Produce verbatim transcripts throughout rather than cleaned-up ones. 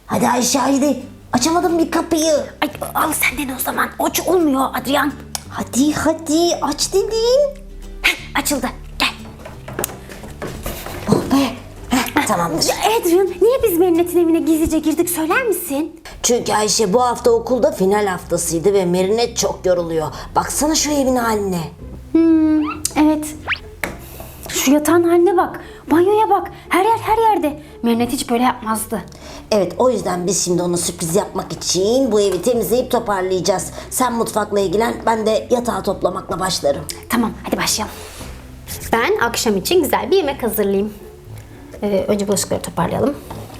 Hadi Ayşe haydi. Açamadım bir kapıyı. Ay, al senden o zaman. Aç olmuyor Adrian. Hadi hadi aç dedim. Heh, açıldı. Gel. Oh be. Heh, tamamdır. Ya Adrian, niye biz Merinet'in evine gizlice girdik söyler misin? Çünkü Ayşe bu hafta okulda final haftasıydı ve Merinet çok yoruluyor. Baksana şu evin haline. Hmm, evet. Şu yatağın haline bak. Banyoya bak. Her yer her yerde. Merinet hiç böyle yapmazdı. Evet, o yüzden biz şimdi ona sürpriz yapmak için bu evi temizleyip toparlayacağız. Sen mutfakla ilgilen, ben de yatağı toplamakla başlarım. Tamam, hadi başlayalım. Ben akşam için güzel bir yemek hazırlayayım. Ee, önce bulaşıkları toparlayalım.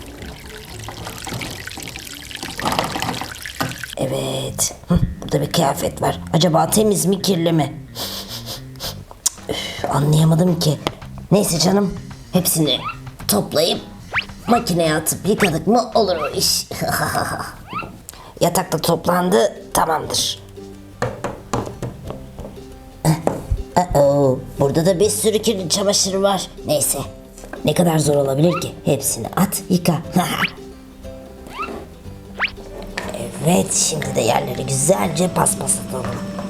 Evet. Hı, burada bir kıyafet var. Acaba temiz mi kirli mi? Üf, anlayamadım ki. Neyse canım. Hepsini toplayıp makineye atıp yıkadık mı olur o iş. Yatak da toplandı. Tamamdır. Uh-oh. Burada da bir sürü kirli çamaşır var. Neyse. Ne kadar zor olabilir ki? Hepsini at yıka. Evet, şimdi de yerleri güzelce paspaslatalım.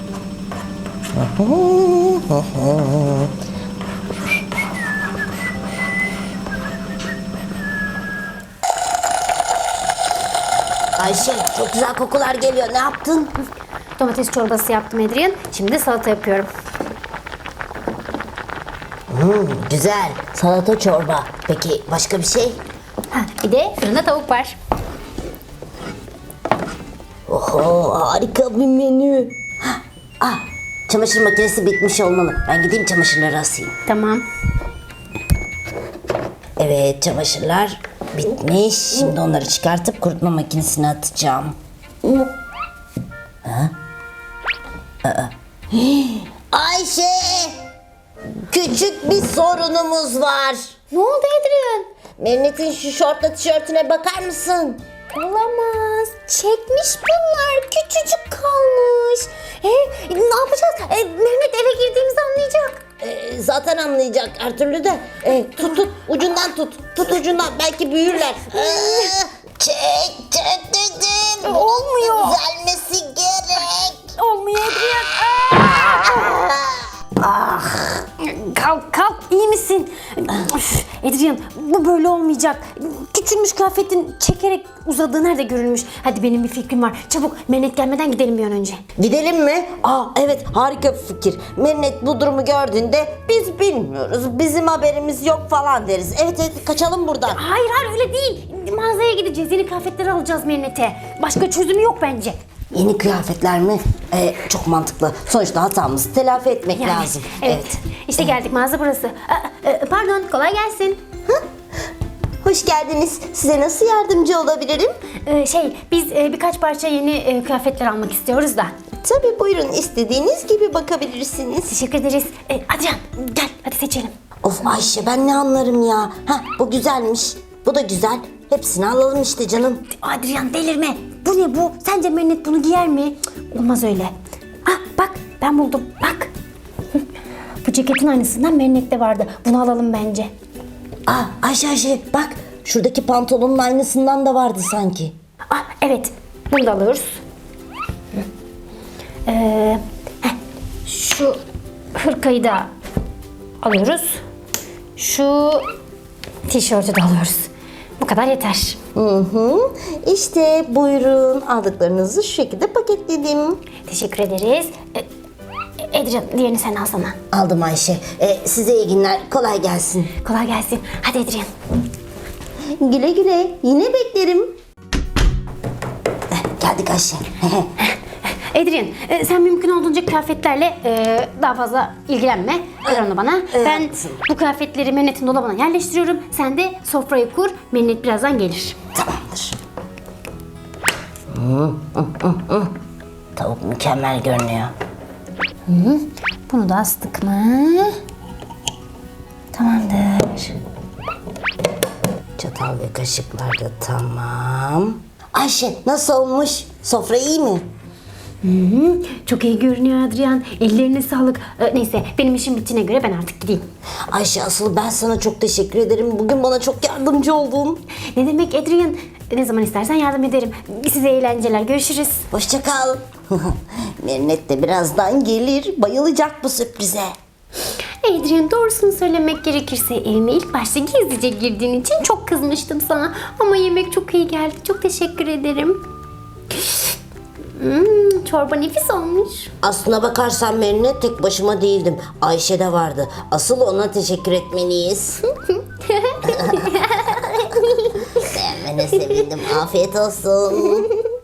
Ayşe, çok güzel kokular geliyor. Ne yaptın? Domates çorbası yaptım Adrian. Şimdi salata yapıyorum. Hmm, güzel. Salata çorba. Peki başka bir şey? Ha, bir de fırında tavuk var. Oho, harika bir menü. Hah, ah, çamaşır makinesi bitmiş olmalı. Ben gideyim çamaşırları asayım. Tamam. Evet, çamaşırlar bitmiş. Şimdi onları çıkartıp kurutma makinesine atacağım. Ha? Aa. Hii, Ayşe! Küçük bir sorunumuz var. Ne oldu Adrian? Merinet'in şu şortla tişörtüne bakar mısın? Olamaz. Çekmiş bunlar. Küçücük kalmış. E, ne yapacağız? E, Mehmet eve girdiğimizde anlayacak. Ee, zaten anlayacak her türlü de. Ee, tut tut ucundan tut. Tut ucundan belki büyürler. Ee, çek çek dedim. E, olmuyor. Düzelmesi gerek. Olmuyor Adrian. Ah. Kalk kalk, iyi misin? Üf, Adrian, bu böyle olmayacak. Küçülmüş kıyafetin çekerek uzadığı nerede görülmüş? Hadi benim bir fikrim var. Çabuk Merinet gelmeden gidelim bir an önce. Gidelim mi? Aa evet, harika bir fikir. Merinet bu durumu gördüğünde biz bilmiyoruz, bizim haberimiz yok falan deriz. Evet evet, kaçalım buradan. Hayır hayır, öyle değil. Mağazaya gideceğiz. Yeni kıyafetleri alacağız Merinet'e. Başka çözümü yok bence. Yeni kıyafetler mi? Ee, çok mantıklı. Sonuçta hatamızı telafi etmek Yani, lazım. Evet. İşte geldik, mağaza burası. Aa, e, pardon, kolay gelsin. Hoş geldiniz. Size nasıl yardımcı olabilirim? Ee, şey, biz e, birkaç parça yeni e, kıyafetler almak istiyoruz da. Tabii, buyurun, istediğiniz gibi bakabilirsiniz. Teşekkür ederiz. E, Adrian, gel hadi seçelim. Of Ayşe, ben ne anlarım ya. Heh, bu güzelmiş. Bu da güzel. Hepsini alalım işte canım. Adrian, delirme. Bu ne bu? Sence Merinet bunu giyer mi? Cık, olmaz öyle. Ah bak, ben buldum. Bak. Bu ceketin aynısından Merinet'te vardı. Bunu alalım bence. Aa Ayşe Ayşe bak, şuradaki pantolonun aynısından da vardı sanki. Ah evet, bunu da alıyoruz. Ee, heh, şu hırkayı da alıyoruz. Şu tişörtü de alıyoruz. Bu kadar yeter. Hı hı. İşte buyurun, aldıklarınızı şu şekilde paketledim. Teşekkür ederiz. Ee, Adrian, diğerini sen alsana. Aldım Ayşe. Ee, size iyi günler. Kolay gelsin. Kolay gelsin. Hadi Adrian. Güle güle. Yine beklerim. Eh, geldik Ayşe. Adrian, e, sen mümkün olduğunca kıyafetlerle e, daha fazla ilgilenme. Ver onu bana. Ben bu kıyafetleri Merinet'in dolabına yerleştiriyorum. Sen de sofrayı kur. Merinet birazdan gelir. Tamamdır. Hı, hı, hı, hı. Tavuk mükemmel görünüyor. Bunu da astık mı? Tamamdır. Çatal ve kaşıklar da tamam. Ayşe, nasıl olmuş? Sofra iyi mi? Hı hı, çok iyi görünüyor Adrian. Ellerine sağlık. Ee, neyse, benim işim bittiğine göre ben artık gideyim. Ayşe, asıl ben sana çok teşekkür ederim. Bugün bana çok yardımcı oldun. Ne demek Adrian? ne zaman istersen yardım ederim. Size eğlenceler. Görüşürüz. Hoşça kal. Merinet de birazdan gelir. Bayılacak bu sürprize. Adrian, doğrusunu söylemek gerekirse evime ilk başta gizlice girdiğin için çok kızmıştım sana. Ama yemek çok iyi geldi. Çok teşekkür ederim. Hmm, çorba nefis olmuş. Aslına bakarsan Merinet tek başıma değildim. Ayşe de vardı. Asıl ona teşekkür etmeliyiz. Beğenmene sevindim. Afiyet olsun.